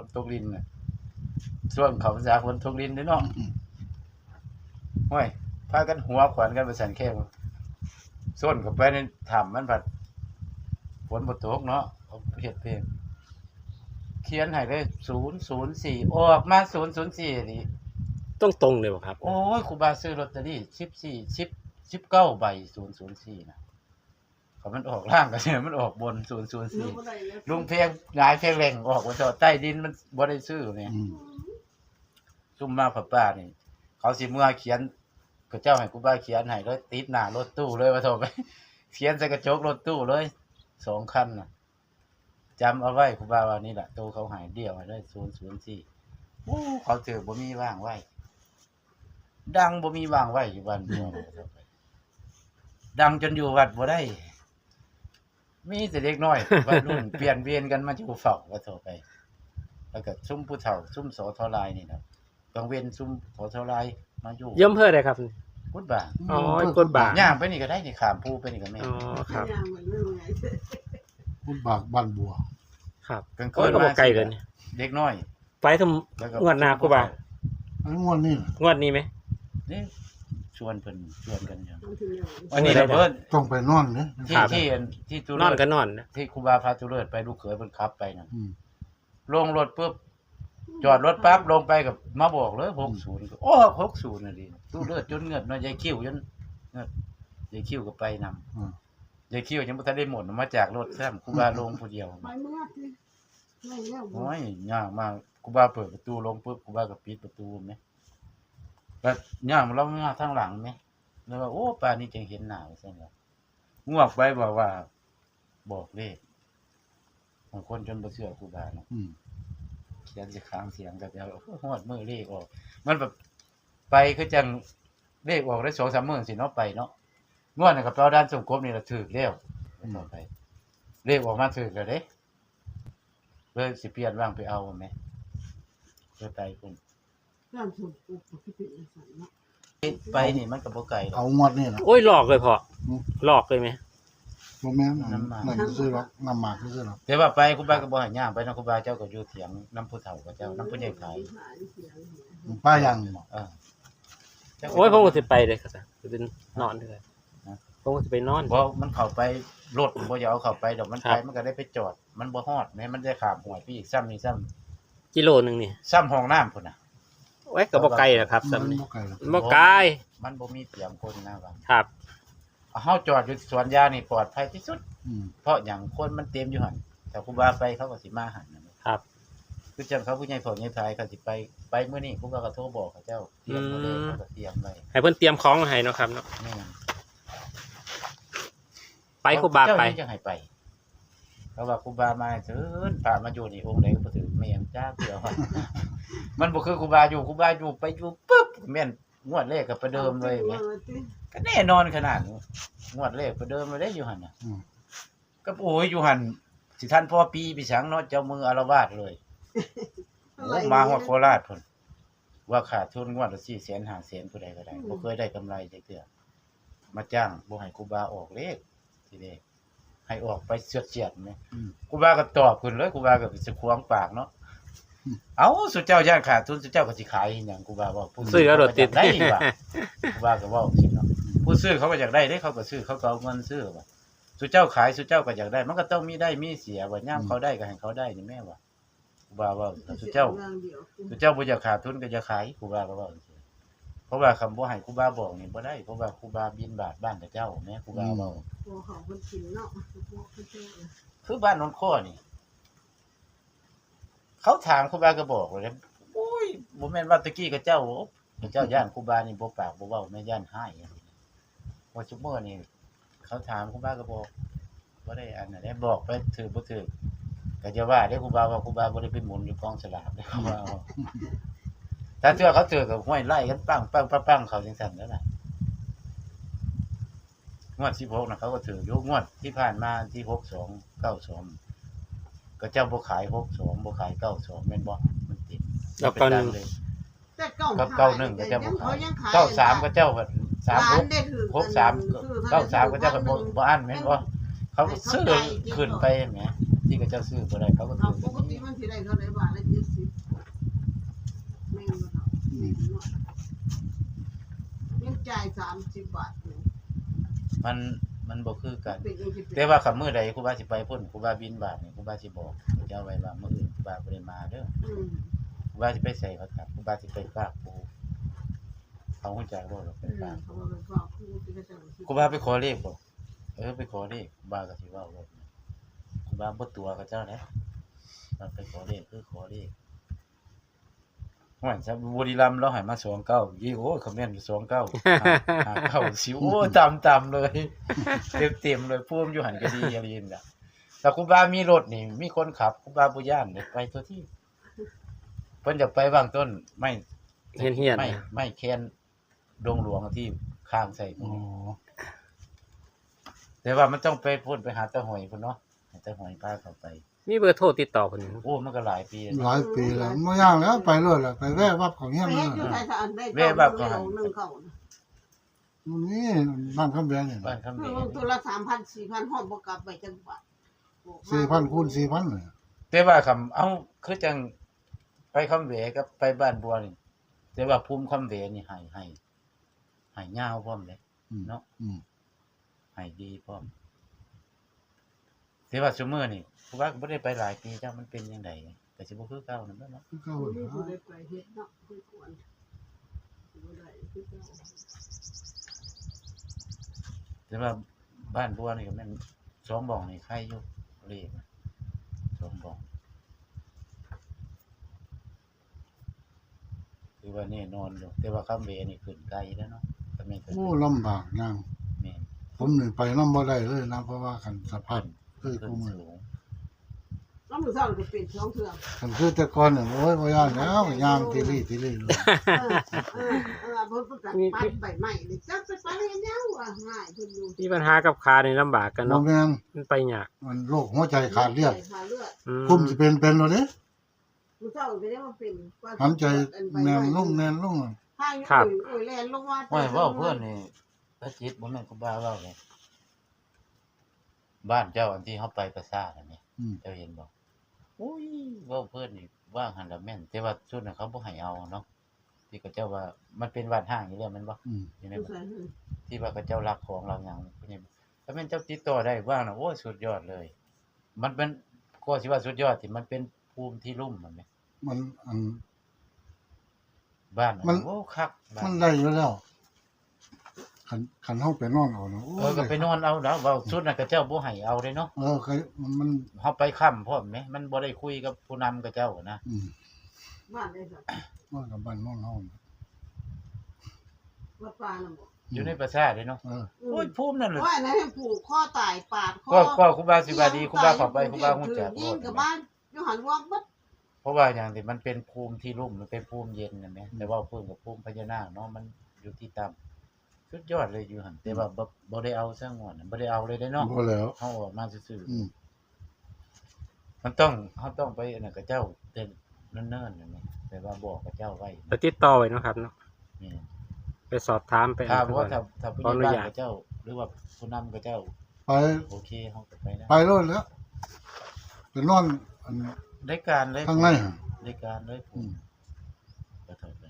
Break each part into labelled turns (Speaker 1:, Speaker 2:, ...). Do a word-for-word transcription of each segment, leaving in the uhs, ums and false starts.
Speaker 1: นตกลิ้นน่ะช่วงเขาพรรษาฝนตกลิ้นเด้อเนาะห้วยพากันหัวขวัญกันไปสั่นแค่ส้นเข้าไปในถ้ำมันผัดฝนบ่ตกเนาะเขาเฮ็ดเพลงเขียนให้ได้ศูนย์ ศูนย์ สี่ออกมาศูนย์ ศูนย์ สี่นี่
Speaker 2: ต้องตรงเลยบ่ครับ
Speaker 1: โอ้ยครูบาซื้อลอตเตอรี่สิบสี่ สิบ สิบเก้าใบศูนย์ ศูนย์ สี่น่ะเขามันออกล่างก็ใช่มันออกบนศูนย์ ศูนย์ สี่ลุงเพลงหงายเพลงแรงออกว่าเจาะใต้ดินมันบ่ได้ซื้อนี่ซุ่มมาป้าๆนี่เขาสิเมื่อเขียนก็เจ้าให้ครูบาเขียนให้เลยติดหน้ารถตู้เลยว่าโทรไปเขียนใส่กระจกรถตู้เลยสองคันน่ะจำเอาไว้ครูบาว่านี่แหละตู้เขาหายเดี่ยวให้ได้ศูนย์ ศูนย์ สี่โอ้เขาถือบ่มีว่างไว้ดังบ่มีว่างไว้อยู่บ้านเมืองดังจนอยู่วัดบ่ได้มีแต่เด็กน้อยวัยรุ่นเปลี่ยนเวียนกันมาอยู่เฝ้าว่าโทรไปแล้วก็ซุ่มผู้เฒ่าซุ่มสทลายนี่นะกลางเว้นซุ่มสทลายมาอยู่
Speaker 2: ย่อมเพื่อใดครับ
Speaker 1: กุดบ่า
Speaker 2: อ๋อกดบ่า
Speaker 1: ย่างไปนี่ก็ได้นี่ข้ามภูไปนี่ก็แม่
Speaker 2: อ๋อครับ
Speaker 3: กุดบากบ้านบัว
Speaker 2: ครับกลางคืนมาไกลเลย
Speaker 1: เด็กน้อย
Speaker 2: ไปทำงวดหน้ากูบ่า
Speaker 3: อันงวดนี้
Speaker 2: งวดนี้มั้ย
Speaker 1: นี่ชวนเพิ่นชวนกันอยู่
Speaker 2: อันนี้เพิ่น
Speaker 3: ต้องไปนอนเด้
Speaker 1: ที่ที่ที่ตุ
Speaker 2: นอนก็นอน
Speaker 1: ที่ครูบาพาตุเลิศไปลูกเขยเพิ่นขับไปนั่นลงรถปุ๊บจอดรถปั๊บลงไปกับมาบอกเลยหกสิบโอ้หกสิบน่ะดิตุเลิศจนเงือดเนาะยายคิ้วจนเงือดยายคิ้วก็ไปนำยายคิ้วยังบ่ทันได้หมดมาจากรถซ้ํครูบาลงผู้เดียวไปเมื่อสิไม่แล้วโอ้ยยากมากครูบาเปิดประตูลงปุ๊บครูบาก็ปิดประตูแม่ก็ย่างเรามาทางหลังแม่แล้วว่าโอ้ป่านนี้จังเห็นหน้าซั่นล่ะงวกไปบอกว่าบอกเลขบางคนจนบ่เชื่อครูบาเนาะอืมเขียนสิค้างเสียงก็เดี๋ยวฮอดมื้อเลขออกมันแบบไปคือจังเลขออกได้ สองสาม มื้อสิเนาะไปเนาะงวดน่ะก็เปาด้านสมกบนี่ล่ะถูกแล้วต่อไปเลขออกมาถูกแล้วเด้เลยสิเปลี่ยนว่างไปเอาแม่เพื่อไปพุ่นร้านสมกบก็สิเป็นจังซั่นเนาะไปนี่มันก็บ่ไกลหรอก
Speaker 3: เอางวดนี่ล่ะ
Speaker 2: โอ้ยหลอกเลยพ่อหลอกเลยมั้ย
Speaker 3: บ่แม่นนั่นซื้อหรอกน้ำหมากซื้อหรอก
Speaker 1: แต่ว่าไปครูบาก็บ่ให้ย่างไปเนาะครูบาเจ้าก็อยู่เถียงนำผู้เฒ่ากับเจ้านำผู้ใหญ่ขาย
Speaker 3: ป้ายังบ่
Speaker 1: เออ
Speaker 2: โอ้ยผมก็สิไปเลยครับสิเป็นนอนเด้อผมก็สิไปนอน
Speaker 1: บ่มันเข้าไปรถบ่อยากเอาเข้าไปดอกมันไปมันก็ได้ไปจอดมันบ่ฮอดแม้มันได้ข้ามห้วยไปอีกซ้ำนี่ซ้ำ
Speaker 2: กิโลนึงนี่
Speaker 1: ซ้ำห้องน้ำพุ่นน่ะ
Speaker 2: โอ้ยก็บ่ไกลล่ะครับซ้ำนี่บ่ไกล
Speaker 1: มันบ่มีเตรียมคนนะว่า
Speaker 2: ครับ
Speaker 1: เฮาจอดอยู่สวนยางนี่ปลอดภัยที่สุดเพราะหยังคนมันเต็มอยู่หั่นแต่ครูบาไปเขาก็สิมาหั่น
Speaker 2: ครับ
Speaker 1: คือจังเขาผู้ใหญ่พ่อใหญ่พายเขาสิไปไปมื้อนี้ครูบาก็โทรบอกเขาเจ้าเตรียมบ่เลยเขาก็เตรียมไว้
Speaker 2: ให้เพิ่นเตรียมของให้เนาะครับเนาะ
Speaker 1: แม่น
Speaker 2: ไปครูบาไป
Speaker 1: จังให้ไปเพราะว่าครูบามาเถินพามาอยู่นี่องค์ใดก็บ่ถือแม่นจ้าเถื่อว่ามันบ่คือครูบาอยู่ครูบาอยู่ไปอยู่ปึ๊บแม่นงวดแรกก็ประเดิมเลยแม่ก็แน่นอนขนาดงวดแรกประเดิมเลยได้อยู่หั่นน่ะก็โอ้ยอยู่หั่นสิท่านพ่อปีพี่สังเนาะเจ้ามืออาละวาดเลยโอ้มาฮอดโคราชพุ่นว่าขาดทุนงวดละสี่แสนห้าแสนผู้ใดก็ได้บ่เคยได้กำไรจักเทื่อมาจ้างบ่ให้ครูบาออกเลขทีเด้ให้ออกไปเฉียดๆแม่ครูบาก็ตอบขึ้นเลยครูบาก็สิขวางปากเนาะเอ้าสุเจ้าย่านขาดทุนสุเจ้าก็สิขายอีหยังครูบาว่าผู้
Speaker 2: ซื้อเอารถติด
Speaker 1: ได้ว่าครูบาก็เว้าสิเนาะผู้ซื้อเขาก็อยากได้เด้เขาก็ซื้อเขาก็เอาเงินซื้อว่าสุเจ้าขายสุเจ้าก็อยากได้มันก็ต้องมีได้มีเสียว่ายามเขาได้ก็ให้เขาได้นี่แม่ว่าครูบาว่าสุเจ้าสุเจ้าบ่อยากขาดทุนก็อย่าขายครูบาก็เว้าจังซี่เพราะว่าคำบ่ให้ครูบาบอกนี่บ่ได้เพราะว่าครูบาบิณฑบาตบ้านเจ้าแม่ครูบาเว้าบ่เขาเพิ่นกินเนาะคือบ้านนนข้อนี่เขาถามครูบาก็บอกเลยโอ้ยบ่แม่นว่าตะกี้กับเจ้าเจ้าย่านครูบานี่บ่ปากบ่เว้าแม่ย่านหายว่าซุมื้อนี่เขาถามครูบาก็บอกบ่ได้อันนั้นได้บอกไปถือบ่ถือก็จะว่าได้ครูบาว่าครูบาบ่ได้ไปหมุนอยู่กองสลากได้ครูบาถ้าเทื่อเขาถือก็ห้วยไล่กันปังปังๆๆเขาจังซั่นแล้วล่ะงวดสิบหกน่ะเขาก็ถืออยู่งวดที่ผ่านมาที่หกสองเก้าสองก็เจ้าบ่ขายหกสองบ่ขายเก้าสองแม่นบ่มันติด
Speaker 2: แล้วเก้าหนึ่ง
Speaker 1: แต่เก้ากับเก้าหนึ่งก็เจ้าบ่ขายเก้าสามก็เจ้าก็สามหก หกสาม เก้าสามก็เจ้าก็บ่บ่อั้นแม่นบ่เขาซื้อขึ้นไปแหมที่ก็เจ้าซื้อบ่ได้เขาก็ถือปกติมันสิได้เท่าใดบาทละเจ็ดสิบ
Speaker 4: ามสิบบาทหนึ่ง
Speaker 1: มันมันบ่คือกัน
Speaker 4: เป็นยังสิบ
Speaker 1: แต่ว่าคำมื้อใดครูบาสิไปพุ่นครูบาบินบาทนี่ครูบาสิบอกเจ้าไว้ว่ามื้ออื่นครูบาบ่ได้มาเด้อ
Speaker 4: อืม
Speaker 1: ครูบาสิไปใส่เขาครับครูบาสิไปฝากปูเขาฮู้จักบ่หรอกไป
Speaker 4: อืม
Speaker 1: ฝาก
Speaker 4: เขาบอกว่าพ่อครูที่ก็จะ
Speaker 1: ครูบาไปขอเลขบ่เออไปขอเลขครูบาก็สิเว้าว่าครูบาบ่ตัวกับเจ้าแหละมันไปขอเลขคือขอเลขว่าซะบุรีรัมย์เราให้มาสองเก้ายี่โอ้คอมเมนต์สองเก้า ห้าเก้าสิโอ้ตำๆเลย เต็มๆเลยภูมิอยู่หันก็ดีอย่างนี้น่ะแต่ครูบามีรถนี่มีคนขับครูบาบ่ย่านเด้ไปตัวที่เพิ่นจะไปวางต้นไม่
Speaker 2: เฮียนเฮียน
Speaker 1: ไม่ไม่แคนดงหลวงที่ข้างใส่พวก
Speaker 3: อ๋อ
Speaker 1: นี้แต่ว่ามันต้องไปพุ่นไปหาตะหอยพุ่นเนาะให้ตะหอยพาเข้าไป
Speaker 2: มีเบอร์โทรติดต่อเพิ่นอยู่
Speaker 1: โอ้มันก็หลายปีแล้ว
Speaker 3: หลายปีแล้วไม่ย่างแล้วไปเลยแหละไปแว่วับของเงี้ย
Speaker 4: ไป
Speaker 3: เล
Speaker 4: เฮ็
Speaker 3: ย
Speaker 4: ดอยู่ไทยสะอันได้
Speaker 1: แม่แบบก็ให้
Speaker 4: หนึ่งเขานะ
Speaker 3: นี่บ้านคำแบงเนี่ย
Speaker 1: บ้านคำ
Speaker 4: เอ
Speaker 1: เบ
Speaker 4: อตัวละสามพันสี่พันฮอดบ่กลับไปจังหวัด
Speaker 3: สี่พันคูณสี่พันเลย
Speaker 1: แต่ว่าคำเอ้าคือจังไปคำเหวกับไปบ้านบัวนี่แต่ว่าภูมิคำเหวนี่ให้ให้ให้ยาวพร้อมเลย
Speaker 3: อืม
Speaker 1: เนาะ
Speaker 3: อืม
Speaker 1: ให้ดีพร้อมแต่ว่าซุมื้อนี่ครูบาก็บ่ได้ไปหลายปีจ้ามันเป็นจังไดก็สิบ่คือเก่านั่นแหละเนาะ
Speaker 3: คือเก่า
Speaker 4: นี่
Speaker 3: เลย
Speaker 4: ผู้ได้ไปเฮ็ดเนาะคือควรบ่ได้คือเก่า
Speaker 1: แต่ว่าบ้านบัวนี่ก็แม่นสองบ่องนี่ใครอยู่เลขนะสองบ่องคือว่าแน่นอนอยู่แต่ว่าคำเหวนี่ขึ้นไกลแล้วเนาะก็แม่นก็
Speaker 3: โอ้ลำบากย่าง
Speaker 1: แม่น
Speaker 3: ผมนี่ไปน้ำบ่ได้เลยนะเพราะว่าคันสภาพคือ
Speaker 1: ขึ้
Speaker 3: กู
Speaker 1: น
Speaker 3: มือ
Speaker 1: สูง
Speaker 4: แล้วมื้อเช้าก็เป็นสองเทื่อ
Speaker 3: คันคือแต่ก่อนเนี่ยโอ้ยบ่ย่างแล้วย่างทีรี่ทีรี่เลย
Speaker 4: เออเออเออเพิ่นประกาศปัดใบไม้นี่จักไปปัดให้ยังว่าง่ายเพิ่นอยู่
Speaker 2: มีปัญหากับขานี่ลำบากกัน
Speaker 3: บ่
Speaker 2: เนาะ
Speaker 3: แม่น
Speaker 2: มันไปยาก
Speaker 3: มันโรคหัวใจขาดเลือด
Speaker 4: ขาดเลือด
Speaker 2: อืม
Speaker 3: คุมสิเป็นเป็นแล้วเด้
Speaker 4: มื้อเช้าก็ได้มาเป็นว่า
Speaker 3: หันใจแน่นลงแน่นลง
Speaker 4: พายุโอ้ยแล่นลงมา
Speaker 1: ว่าเว้าเพิ่นนี่พระจิตบ่แม่นครูบาเว้าเลยบ้านเจ้าอันที่เฮาไปประสาทอันนี้
Speaker 3: อืม
Speaker 1: เจ้าเห็นบ่โอ้ยเว้าเพิ่นนี่ว่างหันละแม่นแต่ว่าชุดนั้นเขาบ่ให้เอาเนาะที่เขาเจ้าว่ามันเป็นวัดห้างอยู่แล้วแม่นบ่
Speaker 3: อืม
Speaker 1: อยู่ในบ้านที่ว่าเขาเจ้ารักของเราหยังเพิ่นนี่ถ้าแม่นเจ้าติดต่อได้ว่างน่ะโอ้ยสุดยอดเลย มันเป็นก็สิว่าสุดยอดที่มันเป็นภูมิที่ลุ่มมันแหม
Speaker 3: มันอัน
Speaker 1: บ้าน
Speaker 3: มัน
Speaker 1: โอ้คักบ้า
Speaker 3: มัน นได้อยู่แล้วคันคันเฮาไปนอนเอาเนาะโอ้
Speaker 1: เออก็ไปนอนเอาแล้วเว้าสุดนั้นเขาเจ้าบ่ให้เอาเด้เนาะ
Speaker 3: เออเคยมันมัน
Speaker 1: เฮาไปค่ำพร้อมแหมมันบ่ได้คุยกับผู้นำกับเจ้านะ
Speaker 3: อืม
Speaker 4: บ้านได้สัก
Speaker 3: ว่ากับบ้านนอนเฮาน่ะ
Speaker 4: วัดป่าน่ะบ่
Speaker 1: อยู่ในประสาทเด้เนาะ
Speaker 3: เออ
Speaker 1: โอ้ยภูมินั่นน่ะ
Speaker 4: โอ้ยอันนั้นให้ผูกข้อตายปาดคอ
Speaker 1: ก็ก็ครูบาสิบาดีครูบาเข้าไปครูบาฮู้จัก
Speaker 4: ยิงกับบ้านอยู่หันวอกบัด
Speaker 1: เพราะว่าอย่างที่มันเป็นภูมิที่ลุ่มมันเป็นภูมิเย็นนะแม่แต่ว่าภูมิกับภูมิพญานาคเนาะมันอยู่ที่ต่ำสุดยอดเลยอยู่หั่นแต่ว่าบ่บ่ได้เอาซะงอนบ่ได้เอาเลยเด้เนาะ
Speaker 3: บ่แล้ว
Speaker 1: เฮาออกมาซื่อ
Speaker 3: อืม
Speaker 1: ๆมันต้องเฮาต้องไปอันนั้นกับเจ้าแต่เนิ่นๆนั่นแหละแต่ว่าบอกกับเจ้าไว้
Speaker 2: ไปติดต่อไว้เนาะครับเนาะ
Speaker 1: นี่
Speaker 2: ไปสอบถามไป
Speaker 1: ถ้า
Speaker 2: อะไร
Speaker 1: ว่า
Speaker 2: ก่อน
Speaker 1: ถ้าถ้าผู้
Speaker 2: ขออนุ
Speaker 1: ใหญ่บ้าน
Speaker 2: ญาต
Speaker 1: กับเจ้า หรือว่าผู้นำกับเจ้า
Speaker 3: ไป
Speaker 1: โอเคเฮาก็ไปได้
Speaker 3: ไปโลดแล้วไปนอนอัน
Speaker 1: ได้การเลย
Speaker 3: ข้างในหั่น
Speaker 1: ได้การเลยผ
Speaker 3: อื
Speaker 1: ม
Speaker 3: ม
Speaker 1: ก็เท่าไป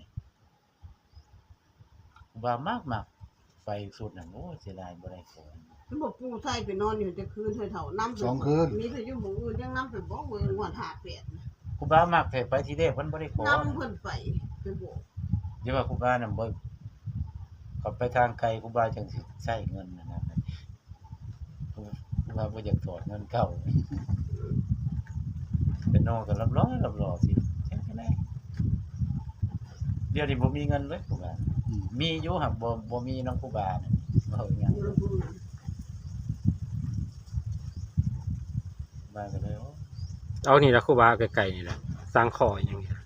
Speaker 1: ว่ามากมากไปสุดนั่นโอ้เสียดายบ่ได้ของ
Speaker 4: มันบอกปูไทยไปนอนอยู่จะคืนเท่าๆน้ำ
Speaker 3: สองคืน
Speaker 4: มีแต่อยู่หมู่อื่นยังน้ำไปบ่เว้ยงวดห้าแปด
Speaker 1: ครูบามากแต่ไปที่แรกเพิ่นบ่ได้ขอ
Speaker 4: น้ำเพิ่นไปไปบอก
Speaker 1: อย่าว่าครูบาน่ะบ่ก็ไปทางไกลครูบาจังสิใช้เงินนั่นน่ะครูบาบ่อยากถอดเงินเก่าเป็นน้องก็รับร้อยรับรอสิจังได๋เดี๋ยวนี้บ่มีเงินเลยครูบา
Speaker 3: อืม
Speaker 1: มีอยู่ครับบ่บ่มีน้องครูบาน่ะเว้าหยัง
Speaker 4: อยู่ลำพูนน่ะ
Speaker 1: บาก็เลยโอ้
Speaker 2: เอานี่ละครูบาไกลๆนี่แหละสร้างขออย่างนี้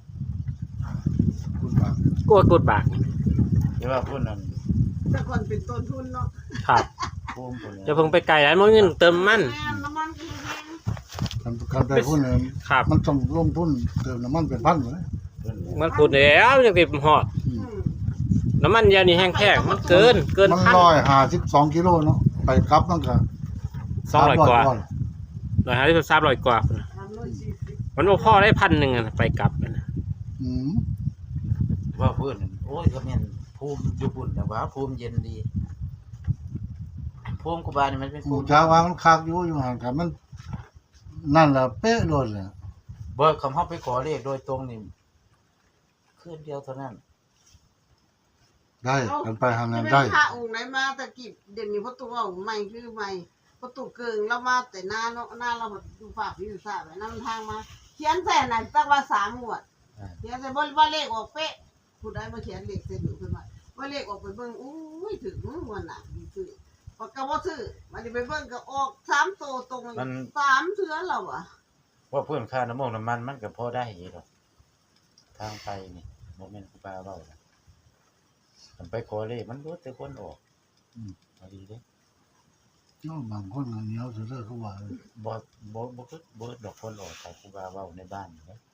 Speaker 3: คุณบา
Speaker 2: กลัวกดบากนี่
Speaker 1: แต่ว่าพุ่นนั่น
Speaker 4: แต่ก่อนเป็นต้นทุนเนาะ
Speaker 2: ครับ
Speaker 1: ภูมิพุ่น
Speaker 2: จะเพิ่งไปไกลแล้วมันเงินเติมมัน
Speaker 4: แม่น้ำมันก็แพง
Speaker 3: คันคันไปพุ่นเนี่ย
Speaker 2: ครับ
Speaker 3: มันต้องลงทุนเติมน้ำมันเป็นพันเลย
Speaker 1: เพิ่น
Speaker 2: มันพูดแล้วยังติดหอด
Speaker 3: อื
Speaker 4: อื
Speaker 3: ม
Speaker 4: ม
Speaker 2: น้ำมันยานี่แห้งแค่มันเกินเกิน
Speaker 3: มัน
Speaker 2: พัน
Speaker 3: ร้อยห้าสิบสองกิโลเนาะไปกลับมันก็
Speaker 2: สองร้อยกว่า
Speaker 3: สม
Speaker 2: ร้อยห้าสิบสามร้อยกว่า
Speaker 4: สามร้อยสี่สิบ
Speaker 2: มันบ่พอได้พันหนึ่งอะไปกลับอะนะ
Speaker 3: อืม
Speaker 1: ว่าเพิ่นนั่นโอ้ยก็แม่นภูภูมิอยู่บุญแต่ว่าภูมิเย็นดีภูมิครูบานี่มันเป็น
Speaker 3: ห
Speaker 1: ภู
Speaker 3: มู่
Speaker 1: มิ
Speaker 3: จ้าว่ามันคักอยู่อยู่ห่างกันมัน นั่นล่ะเป๊ะโลดเลย
Speaker 1: บ่คำเฮาไปขอเลขโดยตรงนี่คืนเดียวเท่านั้น
Speaker 3: ได้กันไปทางนั้น
Speaker 4: จะ
Speaker 3: ได้
Speaker 4: เป็นพระองค์ไหนมาแต่กิจเดี๋ยวนี้ประตูว่าใหม่คือใหม่ประตูเกิงเรามาแต่หน้าเนาะหน้าเราดูฝากอยู่ซะแบบนั้นทางมาเขียนแต่ไหนตั้งว่าสามหมวดเขียนแต่บ่ว่าเลขออกเป๊ะผู้ใดมาเขียนเลขเส้นอยู่ขึ้นมาว่าเลขออกไปเบิ่งอุ้ยถึงวันน่ะดีซื้อปากกาบ่ซื้อมันสิไปเบิ่งก็ออกสามโตตรงสามเทื่อแล้วอ่ะ
Speaker 1: ว่าเพิ่นค่าน้ำมันน้ำมันมันก็พอได้อยู่ดอกทางไปนี่บ่แม่นครูบาเว้านะมันไปขอเลขมันรู้แต่คนออกอืมพอดีเด้
Speaker 3: เนาะบางคนก็เหนียวซื่อๆเขาว่าเลย
Speaker 1: บ่บ่บ่คือบ่ดอกคนออกแต่ครูบาเว้าในบ้านนี่เด้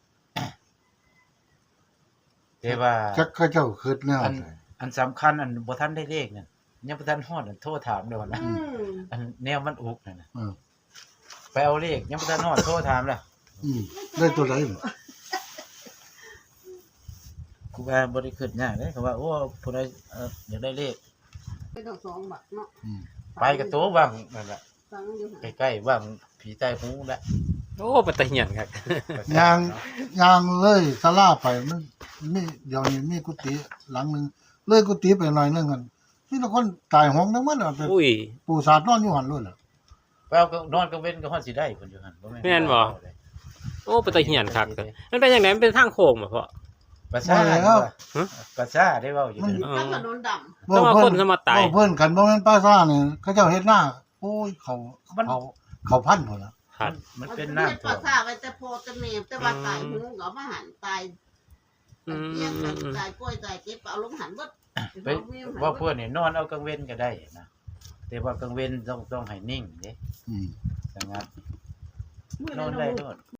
Speaker 1: แต่ว่า
Speaker 3: จักเขาเจ้าคิดแนว
Speaker 1: อัน
Speaker 3: ใด
Speaker 1: อันสำคัญอันบ่ทันได้เลขนั่นยังบ่ทันฮอดอันโทรถามแล้วนะ
Speaker 4: อืม
Speaker 1: อันแนวมันอุกนั่นน่ะ
Speaker 3: เออ
Speaker 1: ไปเอาเลขยังบ่ทันฮอดโทรถามแล้ว
Speaker 3: อืมได้ตัวใดบ่
Speaker 1: ครูบาบ่ได้คิดยากเด้เขาว่าโอ้ผู้ใดเอ่ออยากได้เลข
Speaker 4: เป็นดอกสองบาทเนาะ
Speaker 3: อืม
Speaker 1: ไปกับตัวว่างนั่นแหละ
Speaker 4: ฟังอยู่
Speaker 1: ใกล้ๆว่างผีใต้หูแล้ว
Speaker 2: โอ้ปัตตะเหียนครับ
Speaker 3: ยางยางเลยศาลาไปมันมีเดี๋ยวนี้มีกุฏิหลังหนึงเลยกุฏิไปหน่อยนึงกันมีแต่คนตายหงทั้งหมดอ่ะเป็น
Speaker 2: อุ้ย
Speaker 3: ปู่ศาสตร์นอนอยู่หั่นเลยล่ะ
Speaker 1: ไปเอาก็นอนกลางเว้นก็ฮอดสิได้เพิ่นอยู่หั่นบ่แม่น
Speaker 2: แม่นบ่ โอ้ปัตตะเหียนครับมันเป็นจังได๋มันเป็นทางโค้งบ่พ่อ
Speaker 1: ภาษา
Speaker 3: บ่แล้ว
Speaker 1: ภาษาได้เว้าอยู่เด้อ
Speaker 4: ตั้งถนนดำ
Speaker 2: ต้องมาคนสมาตาย
Speaker 3: เว้เพิ่นกันบ่แม่นป้าซ่านี่เขาเจ้าเฮ็ดหน้าโอ้ยเขาเขาเขาพันพุ่นล่ะ
Speaker 2: ครับ
Speaker 1: มันเป็น
Speaker 4: น้ำ
Speaker 1: น้ำ
Speaker 4: ปลาซาไปแต่พอแต่เมมแต่ว่าตายหูก็มาหันตาย
Speaker 2: อืม
Speaker 4: เลี้ยงกันตายกล้วยตายเก็บเอาลงหันเบิด
Speaker 1: ไปว่าเพิ่นนี่นอนเอากลางเว้นก็ได้นะแต่ว่ากลางเว้นต้องต้องให้นิ่งเด้
Speaker 3: อืม
Speaker 1: ดังนั้น
Speaker 4: มื้อน
Speaker 1: อน
Speaker 4: นั้น
Speaker 1: ได้
Speaker 4: ได้
Speaker 1: โนอน